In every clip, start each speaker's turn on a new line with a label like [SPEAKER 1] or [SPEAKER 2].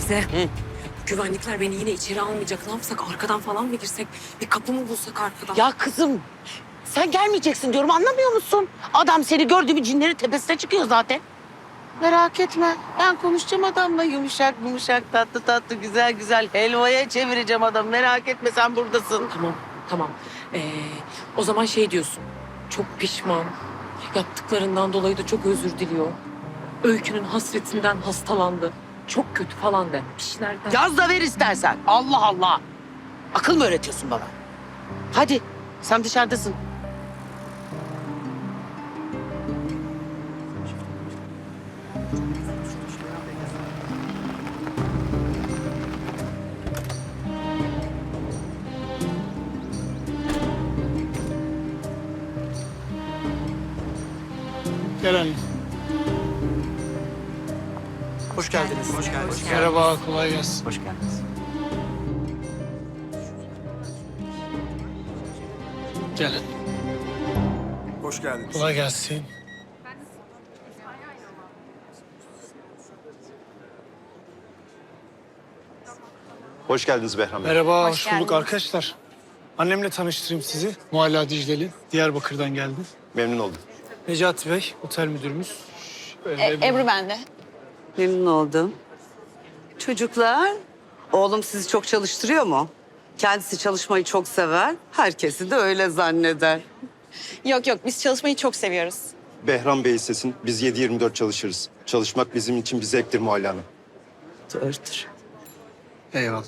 [SPEAKER 1] Teyze. Güvenlikler beni yine içeri almayacak. Ne yapsak? Arkadan falan mı girsek? Bir kapı mı bulsak arkadan?
[SPEAKER 2] Ya kızım sen gelmeyeceksin diyorum, anlamıyor musun? Adam seni gördüğü bir cinlerin tepesine çıkıyor zaten. Merak etme, ben konuşacağım adamla, yumuşak yumuşak, tatlı tatlı, güzel güzel helvaya çevireceğim adam. Merak etme, sen buradasın.
[SPEAKER 1] Tamam, tamam. O zaman şey diyorsun. Çok pişman. Yaptıklarından dolayı da çok özür diliyor. Öykünün hasretinden hastalandı. Çok kötü falan de. Bir şeyler de.
[SPEAKER 2] Yaz da ver istersen. Allah Allah. Akıl mı öğretiyorsun bana? Hadi, sen dışarıdasın.
[SPEAKER 3] Gel anne.
[SPEAKER 4] Hoş geldiniz. Hoş geldiniz.
[SPEAKER 3] Merhaba, kolay gelsin.
[SPEAKER 4] Hoş geldiniz.
[SPEAKER 3] Gel.
[SPEAKER 4] Hoş geldiniz.
[SPEAKER 3] Kolay gelsin.
[SPEAKER 5] Hoş geldiniz Behram Bey.
[SPEAKER 3] Merhaba, hoş bulduk arkadaşlar. Annemle tanıştırayım sizi. Mualla Dicleli, Diyarbakır'dan geldi.
[SPEAKER 5] Memnun oldum.
[SPEAKER 3] Necati Bey, otel müdürümüz.
[SPEAKER 6] Ebru ben de.
[SPEAKER 7] Memnun oldum. Çocuklar, oğlum sizi çok çalıştırıyor mu? Kendisi çalışmayı çok sever. Herkesi de öyle zanneder.
[SPEAKER 6] Yok yok biz çalışmayı çok seviyoruz.
[SPEAKER 5] Behram Bey istesin, biz 7/24 çalışırız. Çalışmak bizim için bir zevktir Muhalle Hanım.
[SPEAKER 7] Doğrudur.
[SPEAKER 3] Eyvallah.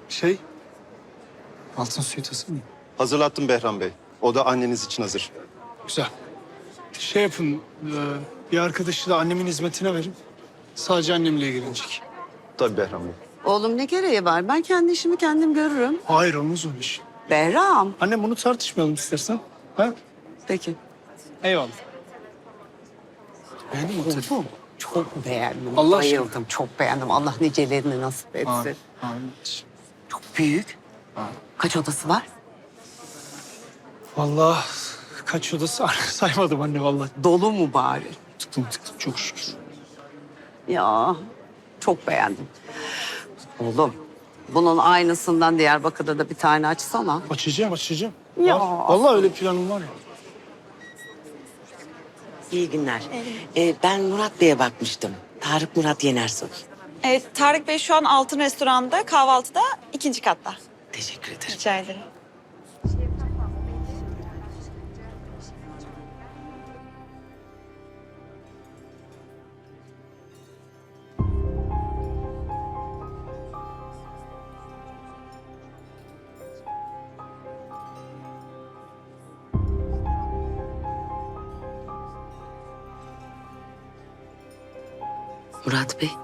[SPEAKER 3] Altın suyu tası mı?
[SPEAKER 5] Hazırlattım Behram Bey. O da anneniz için hazır.
[SPEAKER 3] Güzel. Şey yapın, bir arkadaşı da annemin hizmetine verin. Sadece annemle ilgilenecek.
[SPEAKER 5] Tabii Behram Bey.
[SPEAKER 7] Oğlum ne gereği var? Ben kendi işimi kendim görürüm.
[SPEAKER 3] Hayır, olmaz öyle iş.
[SPEAKER 7] Behram.
[SPEAKER 3] Annem, bunu tartışmayalım istersen. Ha?
[SPEAKER 7] Peki.
[SPEAKER 3] Eyvallah. Beğendin mi oteli?
[SPEAKER 7] Bu çok beğendim.
[SPEAKER 3] Allah aşkına.
[SPEAKER 7] Bayıldım. Çok beğendim. Allah nicelerini nasip etsin.
[SPEAKER 3] Amin. Amin.
[SPEAKER 7] Çok büyük. Kaç odası var?
[SPEAKER 3] Vallahi kaç odası saymadım anne vallahi.
[SPEAKER 7] Dolu mu bari?
[SPEAKER 3] Tıktım çok şükür.
[SPEAKER 7] Ya çok beğendim. Oğlum bunun aynısından Diyarbakır'da da bir tane açsana.
[SPEAKER 3] Açacağım.
[SPEAKER 7] Ya.
[SPEAKER 3] Var. Vallahi öyle planım var ya.
[SPEAKER 2] İyi günler. Ben Murat Bey'e bakmıştım. Tarık Murat Yenersoy.
[SPEAKER 6] Evet Tarık Bey şu an Altın Restoran'da kahvaltıda 2. katta.
[SPEAKER 2] Teşekkür ederim.
[SPEAKER 6] Rica ederim.
[SPEAKER 2] Murat Bey,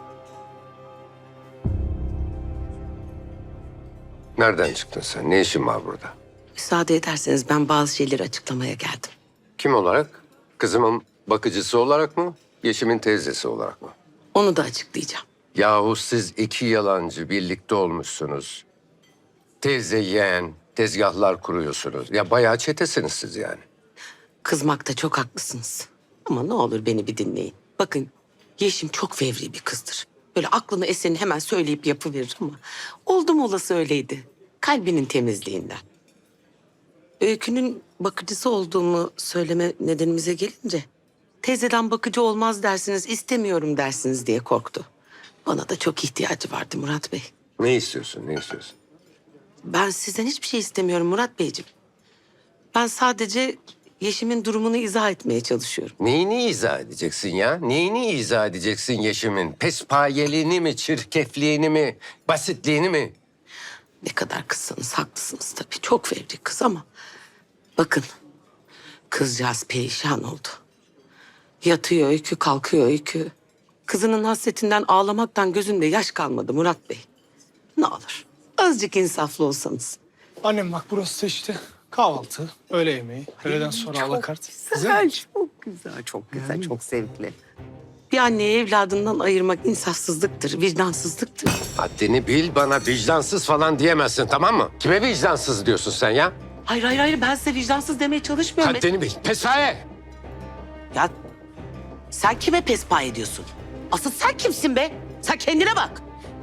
[SPEAKER 8] Nereden çıktın sen? Ne işin var burada?
[SPEAKER 2] müsaade ederseniz ben bazı şeyleri açıklamaya geldim.
[SPEAKER 8] Kim olarak? Kızımın bakıcısı olarak mı? Yeşim'in teyzesi olarak mı?
[SPEAKER 2] Onu da açıklayacağım.
[SPEAKER 8] Yahu siz iki yalancı birlikte olmuşsunuz. Teyze yeğen, tezgahlar kuruyorsunuz. Ya bayağı çetesiniz siz yani.
[SPEAKER 2] Kızmakta çok haklısınız. Ama ne olur beni bir dinleyin. Bakın Yeşim çok fevri bir kızdır. Böyle aklına eseni hemen söyleyip yapıverir ama oldum olası öyleydi. Kalbinin temizliğinden. Öykünün bakıcısı olduğumu söyleme nedenimize gelince teyzeden bakıcı olmaz dersiniz, istemiyorum dersiniz diye korktu. Bana da çok ihtiyacı vardı Murat Bey.
[SPEAKER 8] Ne istiyorsun, ne istiyorsun?
[SPEAKER 2] Ben sizden hiçbir şey istemiyorum Murat Beyciğim. Ben sadece Yeşim'in durumunu izah etmeye çalışıyorum.
[SPEAKER 8] Neyini izah edeceksin ya? Neyini izah edeceksin Yeşim'in? Pespayeliğini mi, çirkefliğini mi, basitliğini mi?
[SPEAKER 2] Ne kadar kızsanız haklısınız tabii. Çok fevri kız ama bakın kızcağız perişan oldu. Yatıyor öykü, kalkıyor öykü. Kızının hasretinden ağlamaktan gözünde yaş kalmadı Murat Bey. Ne olur azıcık insaflı olsanız.
[SPEAKER 3] Annem bak, burası da işte kahvaltı, öğle yemeği, öğleden sonra alakart.
[SPEAKER 7] Güzel, çok güzel, çok güzel, çok zevkli.
[SPEAKER 2] Bir anneyi evladından ayırmak insafsızlıktır, vicdansızlıktır.
[SPEAKER 8] Haddini bil, bana vicdansız falan diyemezsin, tamam mı? Kime vicdansız diyorsun sen ya?
[SPEAKER 2] Hayır, ben size vicdansız demeye çalışmıyorum.
[SPEAKER 8] Haddini bil, pespaye!
[SPEAKER 2] Ya sen kime pespa ediyorsun? Asıl sen kimsin be? Sen kendine bak.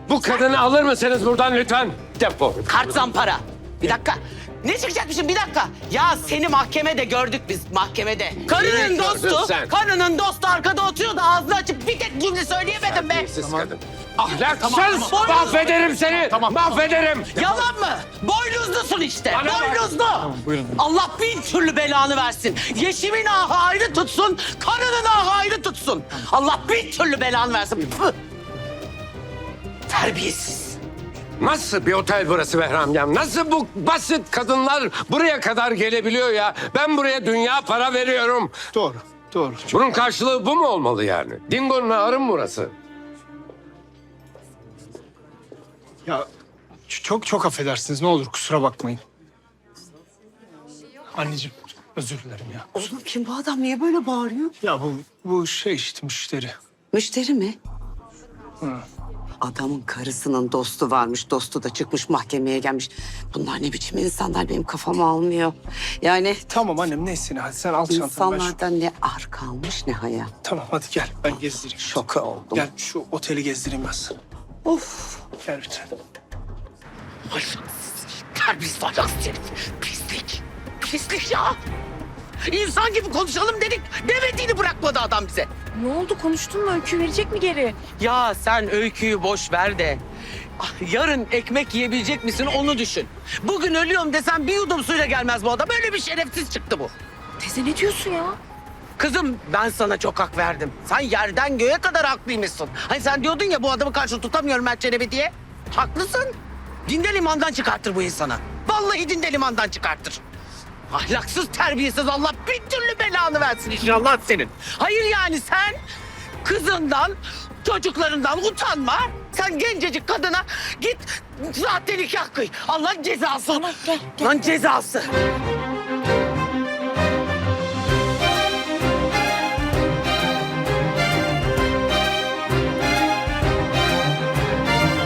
[SPEAKER 8] Bu kadını alır mısınız buradan lütfen? Defol.
[SPEAKER 2] Kart zampara. Bir dakika. Ne çıkacakmışım bir dakika. Ya seni mahkemede gördük biz mahkemede. Karının
[SPEAKER 8] gördün
[SPEAKER 2] dostu,
[SPEAKER 8] sen?
[SPEAKER 2] karının dostu arkada oturuyordu. Ağzını açıp bir tek cümle söyleyemedim be.
[SPEAKER 8] Terbiyesiz kadın. Ahlaksız! Mahvederim seni! Mahvederim!
[SPEAKER 2] Yalan mı? Boynuzlusun işte.
[SPEAKER 8] Bana bak.
[SPEAKER 2] Boynuzlu.
[SPEAKER 3] buyurun.
[SPEAKER 2] Allah bin türlü belanı versin. Yeşimin ahı ayrı tutsun, karının ahı ayrı tutsun. Allah bin türlü belanı versin. Püh. Terbiyesiz.
[SPEAKER 8] Nasıl bir otel burası Behramyam? Nasıl bu basit kadınlar buraya kadar gelebiliyor ya? Ben buraya dünya para veriyorum.
[SPEAKER 3] Doğru, doğru.
[SPEAKER 8] Bunun karşılığı bu mu olmalı yani? Dingo'nun ağrı mı burası?
[SPEAKER 3] Ya çok affedersiniz. Ne olur kusura bakmayın. Anneciğim özür dilerim ya.
[SPEAKER 7] Oğlum kim bu adam? Niye böyle bağırıyor?
[SPEAKER 3] Ya bu şey işte müşteri.
[SPEAKER 7] Müşteri mi? Adamın karısının dostu varmış. Dostu da çıkmış mahkemeye gelmiş. Bunlar ne biçim insanlar benim kafamı almıyor. Yani
[SPEAKER 3] Tamam annem neyse hadi sen al çantanı.
[SPEAKER 7] insanlardan ne ar kalmış ne haya.
[SPEAKER 3] Tamam hadi gel ben gezdireyim.
[SPEAKER 7] Şoka oldum.
[SPEAKER 3] Gel şu oteli gezdireyim ben sana.
[SPEAKER 7] Of.
[SPEAKER 3] Gel lütfen.
[SPEAKER 2] Terbiyesiz ahlaksız herif. Pislik. Pislik ya. İnsan gibi konuşalım dedik. Demediğini bırakmadı adam bize.
[SPEAKER 1] Ne oldu, konuştun mu? Öykü verecek mi geri?
[SPEAKER 2] Ya sen öyküyü boş ver de. Yarın ekmek yiyebilecek misin onu düşün. Bugün ölüyorum desen bir yudum suyla gelmez bu adam. Böyle bir şerefsiz çıktı bu.
[SPEAKER 1] Teyze ne diyorsun ya?
[SPEAKER 2] Kızım ben sana çok hak verdim. Sen yerden göğe kadar haklıymışsın. Hani sen diyordun ya bu adamı karşı tutamıyorum Mert Çelebi diye. Haklısın. Dinde limandan çıkartır bu insana. Vallahi dinde limandan çıkartır. Ahlaksız, terbiyesiz Allah bir türlü belanı versin inşallah senin. Hayır yani sen kızından, çocuklarından utanma. Sen gencecik kadına git sahte nikah kıy. Allah'ın cezası.
[SPEAKER 1] Tamam, gel.
[SPEAKER 2] Lan cezası.